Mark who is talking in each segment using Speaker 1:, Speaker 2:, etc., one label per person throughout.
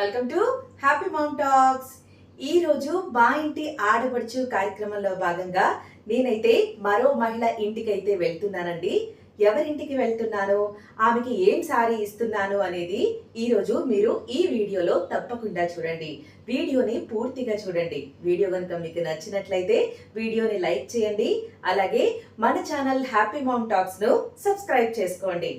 Speaker 1: Welcome to happy mom talks. ఈ రోజు మా ఇంటి ఆడపడుచు కార్యక్రమంలో భాగంగా నేనైతే మరో మహిళ ఇంటికైతే వెళ్తున్నానండి. ఎవరింటికి వెళ్తున్నానో, ఆమెకి ఏం సారీ ఇస్తున్నాను అనేది ఈ రోజు మీరు ఈ వీడియోలో తప్పకుండా చూడండి. వీడియోని పూర్తిగా చూడండి. వీడియో కనుక మీకు నచ్చినట్లయితే వీడియోని లైక్ చేయండి. అలాగే మన ఛానల్ హ్యాపీ మౌమ్ టాక్స్ ను సబ్స్క్రైబ్ చేసుకోండి.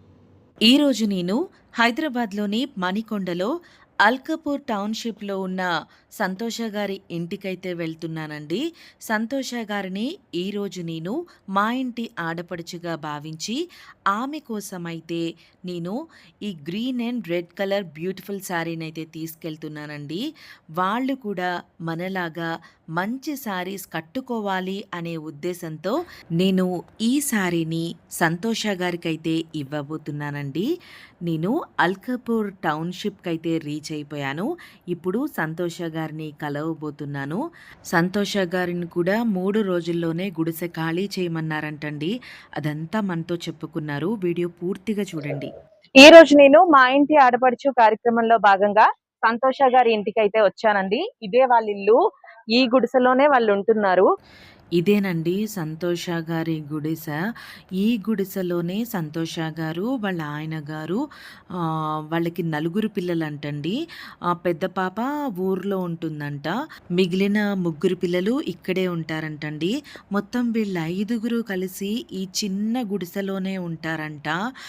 Speaker 2: ఈరోజు నేను హైదరాబాద్లోని మణికొండలో అల్కపూర్ టౌన్షిప్లో ఉన్న సంతోష గారి ఇంటికైతే వెళ్తున్నానండి. సంతోష గారిని ఈరోజు నేను మా ఇంటి ఆడపడుచుగా భావించి ఆమె కోసమైతే నేను ఈ green and red colour beautiful శారీని అయితే తీసుకెళ్తున్నానండి. వాళ్ళు కూడా మనలాగా మంచి శారీస్ కట్టుకోవాలి అనే ఉద్దేశంతో నేను ఈ శారీని సంతోష గారికైతే ఇవ్వబోతున్నానండి. నేను అల్కపూర్ టౌన్షిప్కి అయితే రీచ్ అయిపోయాను. ఇప్పుడు సంతోష గారిని కలవబోతున్నాను. సంతోష గారిని కూడా 3 రోజుల్లోనే గుడిసె ఖాళీ చేయమన్నారంటండి. అదంతా మనతో చెప్పుకున్నారు. వీడియో పూర్తిగా చూడండి.
Speaker 3: ఈ రోజు నేను మా ఇంటి ఆడపడుచు కార్యక్రమంలో భాగంగా సంతోష గారి ఇంటికి అయితే వచ్చానండి. ఇదే వాళ్ళ ఇల్లు. ఈ గుడిసెలోనే వాళ్ళు ఉంటున్నారు.
Speaker 2: ఇదేనండి సంతోష గారి గుడిసె. ఈ గుడిసెలోనే సంతోష గారు, వాళ్ళ ఆయన గారు, వాళ్ళకి 4 పిల్లలంటండి. పెద్ద పాప ఊర్లో ఉంటుందంట. మిగిలిన 3 పిల్లలు ఇక్కడే ఉంటారంటండి. మొత్తం వీళ్ళ 5గురు కలిసి ఈ చిన్న గుడిసెలోనే ఉంటారంట.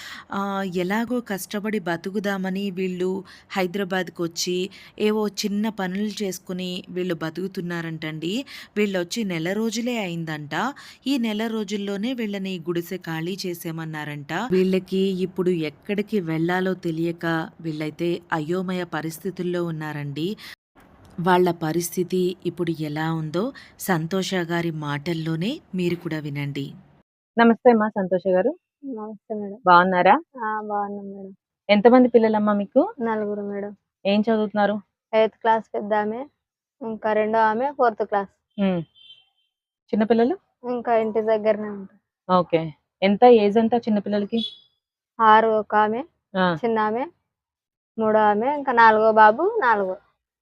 Speaker 2: ఎలాగో కష్టపడి బతుకుదామని వీళ్ళు హైదరాబాద్కి వచ్చి ఏవో చిన్న పనులు చేసుకుని వీళ్ళు బతుకుతున్నారంటండి. వీళ్ళు వచ్చి నెల రోజులే అయిందంట. ఈ నెల రోజుల్లోనే వీళ్ళని గుడిసె ఖాళీ చేసేమన్నారంట. వీళ్ళకి ఇప్పుడు ఎక్కడికి వెళ్లాలో తెలియక వీళ్ళైతే అయోమయ పరిస్థితుల్లో ఉన్నారండి. వాళ్ళ పరిస్థితి ఇప్పుడు ఎలా ఉందో సంతోష గారి మాటల్లోనే మీరు కూడా వినండి.
Speaker 3: నమస్తే అమ్మా సంతోష గారు.
Speaker 4: నమస్తే మేడం.
Speaker 3: బాగున్నారా?
Speaker 4: బాగున్నాం మేడం.
Speaker 3: ఎంతమంది పిల్లలమ్మా మీకు?
Speaker 4: 4 మేడం.
Speaker 3: ఏం చదువుతున్నారు?
Speaker 4: 8th క్లాస్ పెద్ద ఆమె, ఇంకా రెండో ఆమె 4th క్లాస్.
Speaker 3: చిన్నపిల్లలు
Speaker 4: ఇంకా ఇంటి దగ్గరనే ఉంటారు.
Speaker 3: ఓకే. ఎంత ఏజ్ ఎంత చిన్నపిల్లలకి?
Speaker 4: 6 ఒక ఆమె, చిన్న ఆమె, 3 ఆమె, ఇంకా 4గో బాబు 4.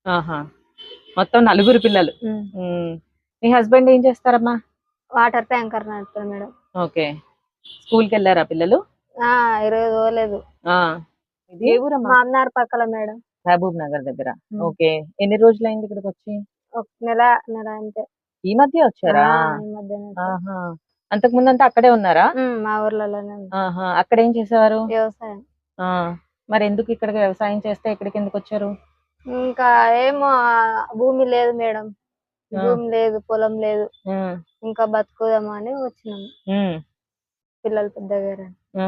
Speaker 3: మొత్తం 4 పిల్లలు. మీ హస్బెండ్ ఏం చేస్తారమ్మా?
Speaker 4: వాటర్ ట్యాంకర్ నడుపుతారు మేడం.
Speaker 3: ఓకే. స్కూల్కి వెళ్ళారా పిల్లలు?
Speaker 4: ఈరోజు పోలేదు.
Speaker 3: ఏ ఊరమ్మా?
Speaker 4: మామనార్ పక్కల మేడం.
Speaker 3: మహబూబ్ నగర్ దగ్గర. ఓకే. ఎన్ని రోజులైంది ఇక్కడికి వచ్చి?
Speaker 4: ఒక నెల అంతే.
Speaker 3: ఈ మధ్య వచ్చారా?
Speaker 4: ఈ మధ్యనే.
Speaker 3: అంతకు ముందు అంతా అక్కడే ఉన్నారా?
Speaker 4: మా ఊర్లలోనే.
Speaker 3: అక్కడ ఏం చేసేవారు?
Speaker 4: వ్యవసాయం.
Speaker 3: మరి ఎందుకు ఇక్కడ వ్యవసాయం చేస్తే ఇక్కడికి ఎందుకు వచ్చారు?
Speaker 4: ఇంకా ఏమో భూమి లేదు మేడం. భూమి లేదు, పొలం లేదు. ఇంకా బతుకుదామని వచ్చినాము. పిల్లలు పెద్దగారు.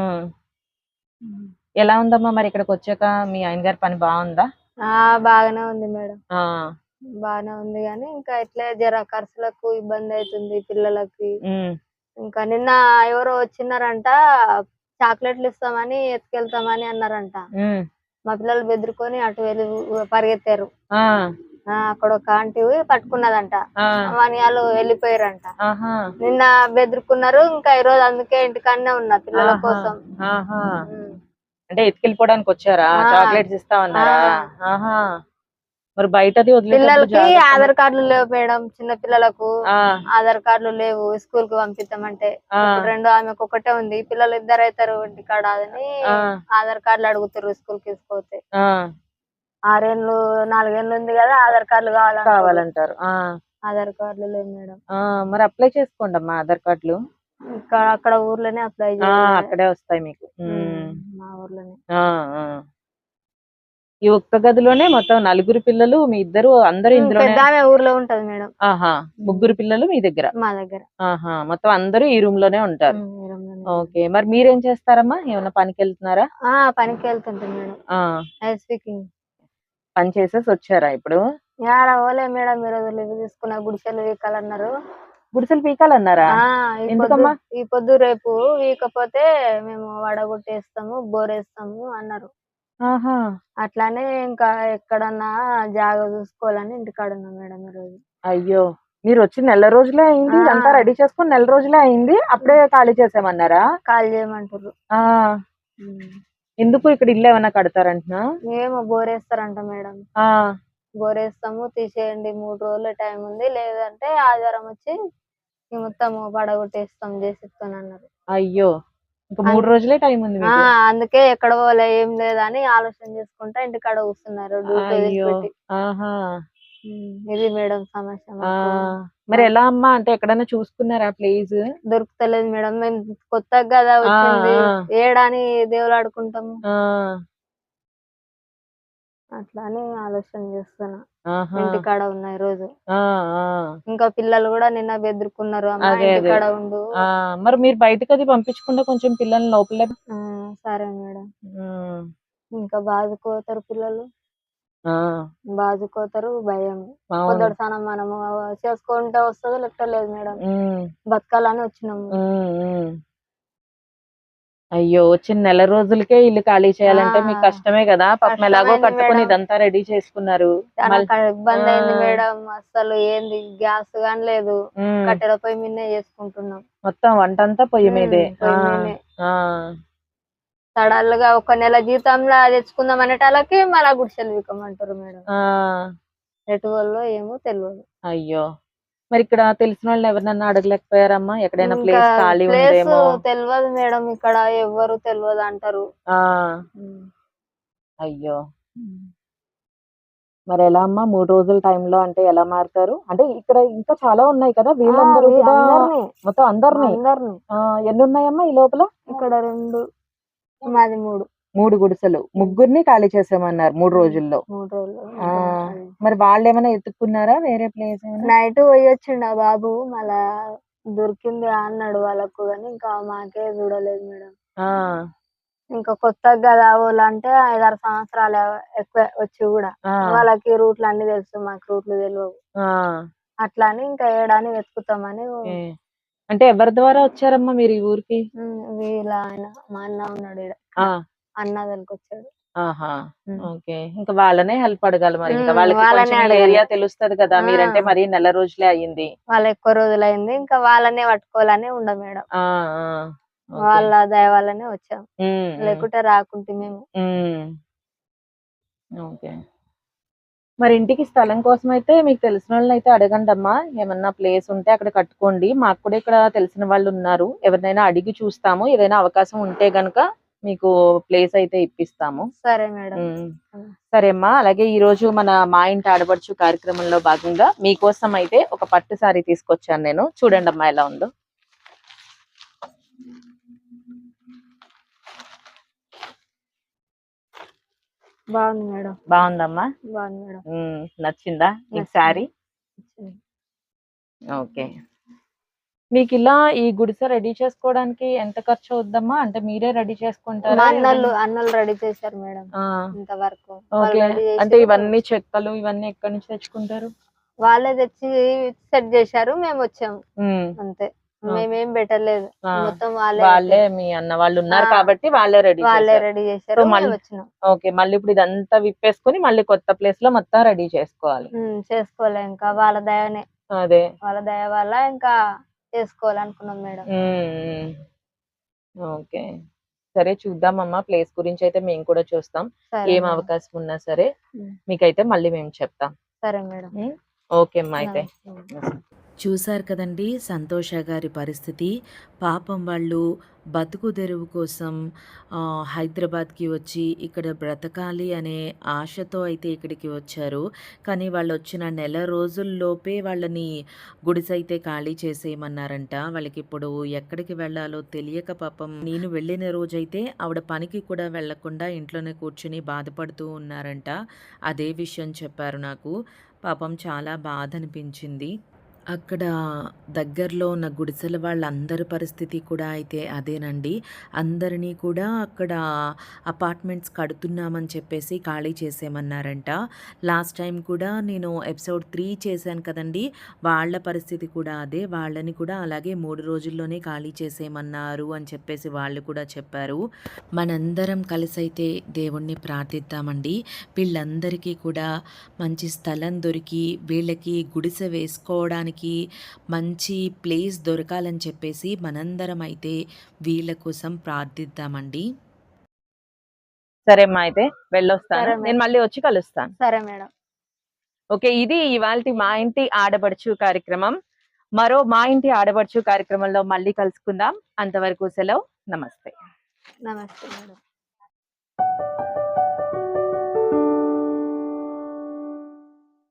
Speaker 3: ఎలా ఉందమ్మా మరి ఇక్కడికి వచ్చాక మీ ఆయన గారి పని బాగుందా?
Speaker 4: బాగానే ఉంది మేడం. బాగానే ఉంది కానీ ఇంకా ఇట్లే జర ఖర్చులకు ఇబ్బంది అవుతుంది పిల్లలకి. ఇంకా నిన్న ఎవరో వచ్చినారంట, చాక్లెట్లు ఇస్తామని ఎత్తుకెళ్తామని అన్నారంట. మా పిల్లలు బెదిరుకొని అటు వెళ్ళి పరిగెత్తారు. అక్కడ ఒక ఆంటీ పట్టుకున్నదంట. వాళ్ళు వెళ్ళిపోయారంట. నిన్న బెదిరుకున్నారు. ఇంకా ఈ రోజు అందుకే ఇంటికన్నా ఉన్నా పిల్లల కోసం.
Speaker 3: అంటే ఎత్తుకెళ్ళిపోవడానికి వచ్చారా? చాక్లెట్స్ ఇస్తామన్నారా? మరి బయటది
Speaker 4: పిల్లలకి ఆధార్ కార్డులు లేవు మేడం. చిన్న పిల్లలకు ఆధార్ కార్డులు లేవు. స్కూల్ కి పంపిస్తామంటే రెండో ఆమెకు ఒకటే ఉంది. పిల్లలు 2 అవుతారు ఇంటికాడ అని ఆధార్ కార్డులు అడుగుతారు స్కూల్ కి తీసుకుపోతే. 6 ఏళ్ళు 4 ఏళ్ళు ఉంది కదా, ఆధార్ కార్డులు కావాలంటారు. ఆధార్ కార్డులు లేవు మేడం.
Speaker 3: మరి అప్లై చేసుకోండి అమ్మా ఆధార్ కార్డులు.
Speaker 4: అక్కడ ఊర్లోనే అప్లై
Speaker 3: అక్కడే వస్తాయి మీకు.
Speaker 4: మా ఊర్లోనే.
Speaker 3: ఈ ఒక్క గదిలోనే మొత్తం 4 పిల్లలు, మీ ఇద్దరు అందరూ ఇందులో?
Speaker 4: ఊర్లో ఉంటది మేడం.
Speaker 3: 3 పిల్లలు మీ దగ్గర?
Speaker 4: మా దగ్గర.
Speaker 3: మొత్తం అందరూ ఈ రూమ్ లోనే ఉంటారు. ఓకే. మరి మీరేం చేస్తారమ్మా? ఏమన్నా పనికి వెళ్తున్నారా?
Speaker 4: పనికి వెళ్తుంటాం మేడం. స్పీకింగ్
Speaker 3: పని చేసేసి వచ్చారా ఇప్పుడు?
Speaker 4: ఓలే మేడం. మీరు లీవ్ తీసుకున్న గుడిసెలు వీకాలన్నారు.
Speaker 3: గుడిసెలు పీకాలన్నారా? ఎందుకమ్మా?
Speaker 4: ఈ పొద్దు రేపు వీకపోతే మేము వడగొట్టేస్తాము, బోరేస్తాము అన్నారు. అట్లానే ఇంకా ఎక్కడన్నా జాగా చూసుకోవాలని ఇంటికాడ ఉన్నాం మేడం ఈరోజు.
Speaker 3: అయ్యో, మీరు వచ్చి నెల రోజులే అయింది. అంతా రెడీ చేసుకుని నెల రోజులే అయింది. అప్పుడే ఖాళీ చేసామన్నారా?
Speaker 4: ఖాళీ చేయమంటారు.
Speaker 3: ఎందుకు ఇక్కడ ఇల్లు ఏమైనా కడతారంటున్నా?
Speaker 4: ఏమో బోరేస్తారంట మేడం.
Speaker 3: ఆ!
Speaker 4: బోరేస్తాము తీసేయండి 3 రోజుల టైం ఉంది. లేదంటే ఆదివారం వచ్చి మొత్తం పడగొట్టేస్తాం జేసీబీతోనన్నారు.
Speaker 3: అయ్యో! ఇంక
Speaker 4: అన్
Speaker 3: 3 రోజులే టైం ఉంది
Speaker 4: ఆ!
Speaker 3: మీకు.
Speaker 4: అందుకే ఎక్కడ పోలే ఏం లేదని ఆలోచన చేసుకుంటా ఇంటికాడ కూర్చున్నారు డ్యూటీ
Speaker 3: అయ్యో!
Speaker 4: వదిలిపెట్టి.
Speaker 3: ఆహా!
Speaker 4: ఇది మేడం సమస్య
Speaker 3: ఆ!
Speaker 4: మాకు.
Speaker 3: మరి ఎలా అమ్మా? అంటే ఎక్కడైనా చూసుకున్నారా ప్లేసు?
Speaker 4: దొరుకుతలేదు మేడం. మేము కొత్తగా గదా
Speaker 3: ఆ!
Speaker 4: వచ్చింది.
Speaker 3: ఆ!
Speaker 4: ఏడని దేవులాడుకుంటాము.
Speaker 3: ఆ!
Speaker 4: అట్లా అని ఆలోచన చేస్తున్నా.
Speaker 3: ఆహా!
Speaker 4: ఇంటికాడ ఉన్నా ఈరోజు.
Speaker 3: ఆ! ఆ!
Speaker 4: ఇంకా పిల్లలు గూడా నిన్న బెదురుకున్నారు. అమ్మ
Speaker 3: అదే. అదే.
Speaker 4: ఇంటికాడ ఉండు.
Speaker 3: ఆ! మరి మీరు బయటకది పంపించకుండా కొంచెం పిల్లల్ని లోపలే
Speaker 4: సరే మేడం.
Speaker 3: హ్మ్.
Speaker 4: ఇంకా బాదుకోతారు పిల్లలు.
Speaker 3: ఆ!
Speaker 4: బాదుకోతారు భయం.
Speaker 3: అవును.
Speaker 4: పొద్దటి స్నానం మనము చేసుకుంటే వస్తదో లేకపోతే లేదు మేడం.
Speaker 3: హ్మ్.
Speaker 4: బతకాలని వచ్చినాము.
Speaker 3: హ్మ్. హ్మ్. అయ్యో! వచ్చిన నెల రోజులకే ఇల్లు ఖాళీ చేయాలంటే మీకు
Speaker 4: ఆ!
Speaker 3: కష్టమే గదా! పాపం ఎలాగో
Speaker 4: కష్టమైంది
Speaker 3: కట్టుకొని
Speaker 4: మేడం.
Speaker 3: ఇదంతా రెడీ చేసుకున్నారు.
Speaker 4: చానా
Speaker 3: మళ్ ఆ!
Speaker 4: ఇబ్బందయింది మేడం. అస్సలు ఏంది గ్యాస్ గాని లేదు.
Speaker 3: హ్మ్.
Speaker 4: కట్టెల పొయ్యి మీదనే చేసుకుంటున్నాం.
Speaker 3: మొత్తం వంటంతా పొయ్యి మీదే. ఆ!
Speaker 4: పొయ్యి మీదనే.
Speaker 3: ఆ!
Speaker 4: సడన్‌గా ఒక నెల జీతంలా తెచ్చుకుందాం అనేటాళ్ళకి మళ్ళా గుడిసెలు పీకమంటారు మేడం.
Speaker 3: ఆ!
Speaker 4: ఎటు పోవాలో ఏమో తెల్వదు.
Speaker 3: అయ్యో! మరిక్కడ తెలిసినోళ్ళని ఎవరినన్నా అడగలేకపోయారమ్మా? ఎక్కడైనా
Speaker 4: ఇంకా
Speaker 3: ప్లేస్ ఖాళీ
Speaker 4: ప్లేసు
Speaker 3: ఉందేమో?
Speaker 4: తెల్వదు మేడం. ఇక్కడ ఎవ్వరు తెల్వదంటారు.
Speaker 3: ఆ!
Speaker 4: హ్మ్.
Speaker 3: అయ్యో!
Speaker 4: హ్మ్.
Speaker 3: మరెలా అమ్మా 3 రోజుల టైంలో అంటే ఎలా మారుతారు? అంటే ఇక్కడ ఇంకా చాలా ఉన్నాయి కదా! వీళ్ళందరూ కూడా
Speaker 4: అందరిని.
Speaker 3: మొత్తం అందరిని
Speaker 4: అందరిని.
Speaker 3: ఎన్నున్నాయమ్మా ఈ లోపల?
Speaker 4: ఇక్కడ 2 మాది 3.
Speaker 3: 3 గుడిసెలు. ముగ్గురిని ఖాళీ చేసేయమన్నారు 3
Speaker 4: హ్మ్.
Speaker 3: రోజుల్లో.
Speaker 4: 3 రోజులు
Speaker 3: ఆ!
Speaker 4: ముగ్గురిని ఖాళీ.
Speaker 3: మరి వాళ్ళేమైనా ఎతుక్కున్నారా వేరే ప్లేస్ ఏమైనా?
Speaker 4: నైట్ పోయొచ్చిండు ఆ బాబు. మళ్ళా దొరికింది అన్నాడు వాళ్ళకు గాని, ఇంకా మాకే చూడలేదు మేడం.
Speaker 3: ఆ!
Speaker 4: ఇంకా కొత్తగా గదా! ఓళ్ళంటే 5, 6 సంవత్సరాలే ఎక్కువే వచ్చి గూడా.
Speaker 3: ఆ!
Speaker 4: వాళ్ళకి రూట్లన్నీ తెలుసు. మాకు రూట్లు తెలవవు.
Speaker 3: ఆ!
Speaker 4: అట్లా అని ఇంకా ఏడని వెతుకుతామని
Speaker 3: ఓకే. అంటే ఎవరి ద్వారా వచ్చారమ్మా మీరు ఈ ఊరికి?
Speaker 4: వీళ్ళ ఆయన మా అన్న ఉన్నాడు ఈడ.
Speaker 3: ఆ!
Speaker 4: అన్న తోలుకొచ్చాడు.
Speaker 3: ఆహా!
Speaker 4: హ్మ్.
Speaker 3: ఓకే. ఇంక వాళ్ళనే హెల్ప్ అడగాలి మరి. ఇంకా వాళ్ళకి
Speaker 4: వాళ్ళనే
Speaker 3: కొంచెం ఈ
Speaker 4: అడగాలి.
Speaker 3: ఏరియా తెలుస్తది కదా!
Speaker 4: ఆ!
Speaker 3: మీరంటే మరి నెల రోజులే అయింది.
Speaker 4: వాళ్ళు ఎక్కువ రోజులయింది. ఇంకా వాళ్ళనే పట్టుకోవాలని ఉండ మేడం.
Speaker 3: ఆ! ఆ! ఓకే.
Speaker 4: వాళ్ళ దయ వల్లనే వచ్చాం.
Speaker 3: హ్మ్. హ్మ్.
Speaker 4: లేకుంటే రాకుంటిమేము.
Speaker 3: హ్మ్. ఓకే. మరి ఇంటికి స్థలం కోసమైతే మీకు తెలిసినోళ్ళనైతే అడగండమ్మా. ఏమన్నా ప్లేస్ ఉంటే అక్కడ కట్టుకోండి. మాకు కూడా ఇక్కడ తెలిసిన వాళ్ళున్నారు. ఎవరినైనా అడిగి చూస్తాము. ఏదైనా అవకాశం ఉంటే గనక మీకు ప్లేస్ అయితే ఇప్పిస్తాము.
Speaker 4: సరే మేడం.
Speaker 3: హ్మ్.
Speaker 4: హ్మ్.
Speaker 3: సరే అమ్మా. అలాగే ఈరోజు మన మా ఇంటి ఆడపడుచు కార్యక్రమంలో భాగంగా మీకోసం అయితే ఒక పట్టు సారీ తీసుకొచ్చాను నేను. చూడండమ్మా ఎలా ఉందో.
Speaker 4: బాగుంది మేడం.
Speaker 3: బావుందమ్మా?
Speaker 4: బాగుంది మేడం.
Speaker 3: నచ్చిందా మీకు
Speaker 4: నచ్చింది.
Speaker 3: సారీ?
Speaker 4: నచ్చింది.
Speaker 3: ఓకే. మీకిలా ఈ గుడిసె రెడీ చేసుకోవడానికి ఎంత ఖర్చవుద్దమ్మా? అంటే మీరే రెడీ చేసుకుంటారా?
Speaker 4: మా
Speaker 3: ఎవరైనా
Speaker 4: అన్నోళ్ళు రెడీ చేశారు మేడం.
Speaker 3: ఆ!
Speaker 4: ఇంతవరకు. వాళ్ళు
Speaker 3: ఓకే.
Speaker 4: రెడీ
Speaker 3: అంటే
Speaker 4: చేసిర్రు.
Speaker 3: ఇవన్నీ చెక్కలు ఇవన్నీ ఎక్కడి నుంచి తెచ్చుకుంటారు?
Speaker 4: వాళ్ళే తెచ్చి సెట్ చేశారు. మేమొచ్చాము.
Speaker 3: హ్మ్.
Speaker 4: అంతే.
Speaker 3: ఓకే.
Speaker 4: మేమేం పెట్టలేదు.
Speaker 3: ఆ!
Speaker 4: మొత్తం వాళ్ళే
Speaker 3: వాళ్ళే
Speaker 4: పెట్టారు.
Speaker 3: మీ అన్న
Speaker 4: ఆ!
Speaker 3: వాళ్ళున్నారు కాబట్టి వాళ్ళే రెడీ
Speaker 4: వాళ్ళే
Speaker 3: చేశారు.
Speaker 4: రెడీ
Speaker 3: సో,
Speaker 4: చేశారు. మేమొచ్చినాం.
Speaker 3: ఓకే. మళ్ళీ ఇప్పుడు ఇదంతా విప్పేసుకొని మళ్ళీ కొత్త ప్లేస్‌లో మొత్తం రెడీ చేసుకోవాలి.
Speaker 4: చేసుకోలే ఇంకా వాళ్ళ దయనే.
Speaker 3: అదే.
Speaker 4: వాళ్ళ దయ వల్ల ఇంకా చేసుకోవాలనుకున్నాం మేడం.
Speaker 3: హ్మ్. ఓకే. సరే చూద్దామమ్మా. ప్లేస్ గురించయితే మేము కూడా చూస్తాం.
Speaker 4: సరే
Speaker 3: ఏం
Speaker 4: మేడం.
Speaker 3: అవకాశం ఉన్నా సరే
Speaker 4: హ్మ్.
Speaker 3: మీకైతే మళ్ళీ మేము చెప్తాం.
Speaker 4: సరే మేడం.
Speaker 3: హ్మ్. ఓకే అమ్మా అయితే.
Speaker 4: నమస్తే.
Speaker 2: చూశారు కదండీ సంతోష గారి పరిస్థితి. పాపం వాళ్ళు బతుకు తెరువు కోసం హైదరాబాద్‌కి వచ్చి ఇక్కడ బ్రతకాలి అనే ఆశతో అయితే ఇక్కడికి వచ్చారు. కానీ వాళ్ళొచ్చిన నెల రోజుల్లోపే వాళ్ళని గుడిసైతే ఖాళీ చేసేయమన్నారంట. వాళ్ళకిప్పుడు ఎక్కడికి వెళ్ళాలో తెలియక పాపం నేను వెళ్ళిన రోజైతే ఆవిడ పనికి కూడా వెళ్ళకుండా ఇంట్లోనే కూర్చొని బాధపడుతూ ఉన్నారంట. అదే విషయం చెప్పారు నాకు. పాపం చాలా బాధనిపించింది. అక్కడ దగ్గరలో ఉన్న గుడిసెల వాళ్ళందరి పరిస్థితి కూడా అయితే అదేనండి. అందరినీ కూడా అక్కడ అపార్ట్మెంట్స్ కడుతున్నామని చెప్పేసి ఖాళీ చేసేయమన్నారంట. లాస్ట్ టైం కూడా నేను ఎపిసోడ్ 3 చేశాను కదండీ! వాళ్ళ పరిస్థితి కూడా అదే. వాళ్ళని కూడా అలాగే 3 రోజుల్లోనే ఖాళీ చేసేయమన్నారు అని చెప్పేసి వాళ్ళు కూడా చెప్పారు. మనందరం కలిసైతే దేవుణ్ణి ప్రార్థిద్దామండి. వీళ్ళందరికీ కూడా మంచి స్థలం దొరికి వీళ్ళకి గుడిసె వేసుకోవడానికి మంచి ప్లేస్ దొరకాలని చెప్పేసి మనందరం అయితే వీళ్ళ కోసం ప్రార్థిద్దామండి.
Speaker 3: సరే అమ్మా, అయితే వెళ్ళొస్తాను.
Speaker 4: సరే మేడం.
Speaker 3: నేను మళ్ళీ వచ్చి కలుస్తాను.
Speaker 4: సరే మేడం.
Speaker 3: ఓకే, ఇది ఇవాల్టి మా ఇంటి ఆడపడుచు కార్యక్రమం. మరో మా ఇంటి ఆడపడుచు కార్యక్రమంలో మళ్ళీ కలుసుకుందాం. అంతవరకు సెలవు. నమస్తే.
Speaker 4: నమస్తే మేడం.